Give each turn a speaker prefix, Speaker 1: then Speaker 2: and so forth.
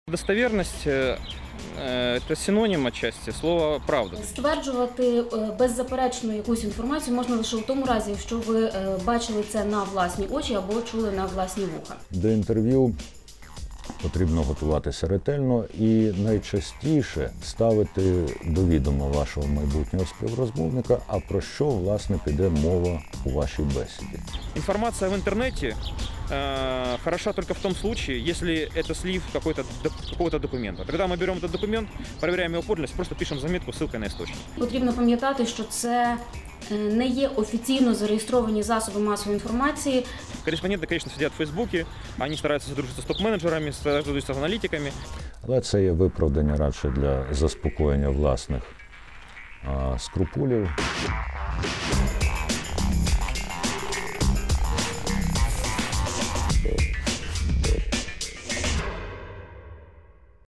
Speaker 1: Достоверность – это синонім отчасти слова «правда».
Speaker 2: Стверджувати беззаперечно якусь інформацію можна лише в тому разі, якщо ви бачили це на власні очі або чули на власні вуха.
Speaker 3: До інтерв'ю потрібно готуватися ретельно і найчастіше ставити до відома вашого майбутнього співрозмовника, а про що, власне, піде мова у вашій бесіді.
Speaker 1: Информация в интернете хороша только в том случае, если это слив какого-то документа. Когда мы берем этот документ, проверяем его подлинность, просто пишем заметку с ссылкой на источник.
Speaker 2: Потрібно пам'ятати, що це не є офіційно зареєстровані засоби масової інформації.
Speaker 1: Корреспонденты, конечно, сидят в Фейсбуке, они стараются сотрудничать с топ-менеджерами, сотрудничать с аналитиками.
Speaker 3: Але це є виправдання радше для заспокоєння власних скрупулів.